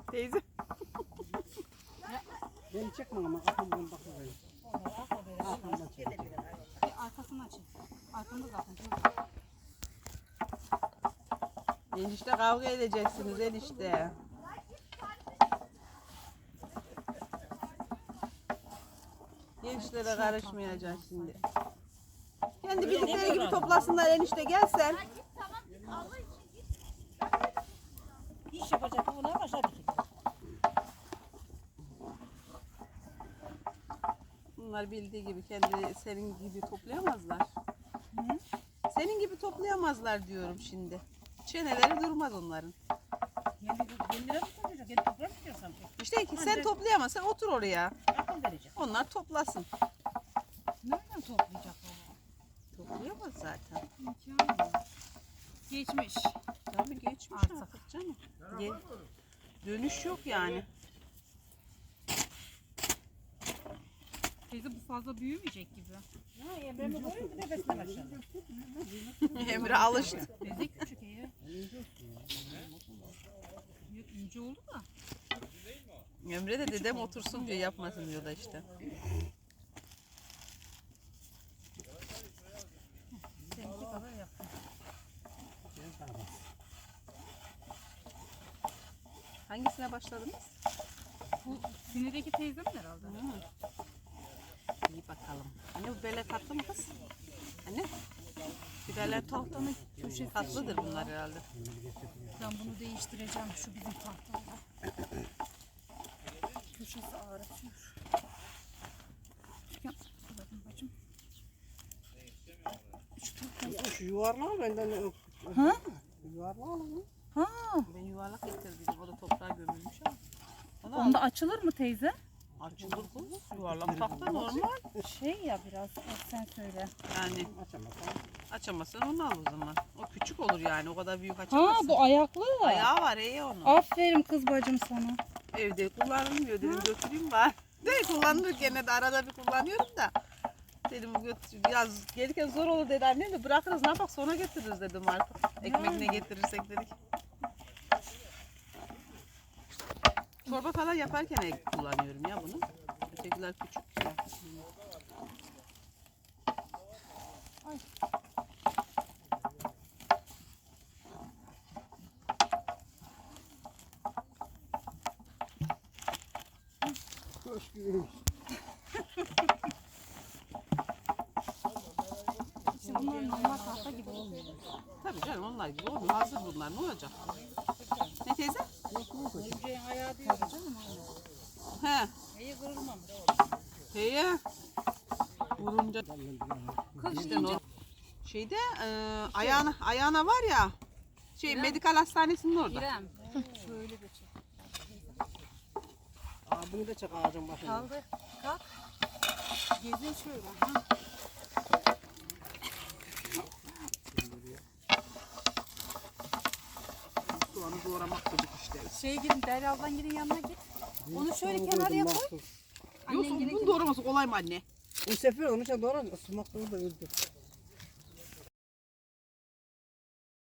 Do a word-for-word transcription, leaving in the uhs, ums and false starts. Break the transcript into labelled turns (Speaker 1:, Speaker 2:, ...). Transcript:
Speaker 1: Teyze.
Speaker 2: Beni çekme ama arkamdan bakıyorum. Arkamdan çek.
Speaker 3: Arkasını açın. Arkamda zaten.
Speaker 1: Enişte kavga edeceksiniz enişte. Gençlere karışmayacak şimdi. Kendi bildikleri gibi toplasınlar enişte, gel sen.
Speaker 3: İş yapacak buna başladık.
Speaker 1: Bunlar bildiği gibi kendi senin gibi toplayamazlar.
Speaker 3: Hı?
Speaker 1: Senin gibi toplayamazlar diyorum şimdi. Çeneleri durmaz onların.
Speaker 3: Yeni, yenileri mi toplayacak? Yeni toplar mı diyorsan?
Speaker 1: İşte ki sen toplayamazsan otur oraya.
Speaker 3: Akıl verecek.
Speaker 1: Onlar toplasın.
Speaker 3: Nereden toplayacak o?
Speaker 1: Toplayamaz zaten.
Speaker 3: İmkanı. Geçmiş.
Speaker 1: Tabii geçmiş
Speaker 3: Artık.
Speaker 1: artık canım. Ge- Dönüş yok yani.
Speaker 3: Teyze bu fazla büyümeyecek gibi. Ha, Emre'mi koyun bir nefesine başlayalım.
Speaker 1: Emre alıştı.
Speaker 3: Teyze küçük iyi. Yok, ince oldu da.
Speaker 1: Emre de dedem otursun diyor, yapmasın diyor da işte.
Speaker 3: Seninki kadar yaptım.
Speaker 1: Hangisine başladınız?
Speaker 3: Bu sinedeki teyzem herhalde.
Speaker 1: Hı. İyi bakalım. Anne bu bele tatlı mı kız? Anne? Biberler tahtanın köşesi tatlıdır bunlar herhalde.
Speaker 3: Ben bunu değiştireceğim şu bizim tahtada. Köşesi ağrıtıyor. Ya, bakın bacım. Şu tahta.
Speaker 2: Şu yuvarlağı benden ne?
Speaker 3: Ha?
Speaker 2: Yuvarlağı mı?
Speaker 3: Ha.
Speaker 1: Ben yuvarlak getirdim. O da toprağa gömülmüş ama. Onu al.
Speaker 3: Onda açılır mı teyze?
Speaker 1: Açılır kız. Yuvarlak tahta normal.
Speaker 3: Şey ya biraz sen söyle.
Speaker 1: Yani
Speaker 2: Açamazsın.
Speaker 1: açamazsan onu al o zaman. O küçük olur yani. O kadar büyük
Speaker 3: Ha
Speaker 1: açamazsın.
Speaker 3: bu ayaklı.
Speaker 1: Ayağı var iyi onun.
Speaker 3: Aferin kız bacım sana.
Speaker 1: Evde kullanılmıyor dedim, götüreyim var. De kullanılır gene de, arada bir kullanıyorum da. Dedim götür, yaz gelirken zor olur dedi annem de, bırakırız ne yapak sonra getiririz dedim artık. Ekmek ne getirirsek dedik. Çorba falan yaparken ek kullanıyorum ya bunu. Ötekiler küçük ya. Ay.
Speaker 2: Hoş geldin.
Speaker 3: İşte bunlar normal tahta gibi olmuyor.
Speaker 1: Tabii canım onlar gibi olmuyor. Hazır bunlar, ne olacak? Ne teyze?
Speaker 3: Örümceğin ayağı diyor canım.
Speaker 1: He.
Speaker 3: Ayağı kırılmamış.
Speaker 1: Heye. Vurunca. Kız işte o. Şeyde e, ayağına, ayağına var ya. Şey
Speaker 3: İrem.
Speaker 1: medikal hastanesinin orada.
Speaker 3: İrem. Şöyle de çek.
Speaker 2: Aa, bunu da çek ağacın başına.
Speaker 3: Kaldır. Kalk. Gezin şöyle. Ha.
Speaker 1: Soğanı doğramak dedik işte.
Speaker 3: Şeye gidin, Derya ablan gidin yanına git. Onu şöyle kenarıya koy.
Speaker 1: Yoksa
Speaker 3: Annen
Speaker 1: bunun
Speaker 3: gidin.
Speaker 1: doğraması kolay mı anne?
Speaker 2: Bu sefer onu sen doğru ısınmakta da öldü.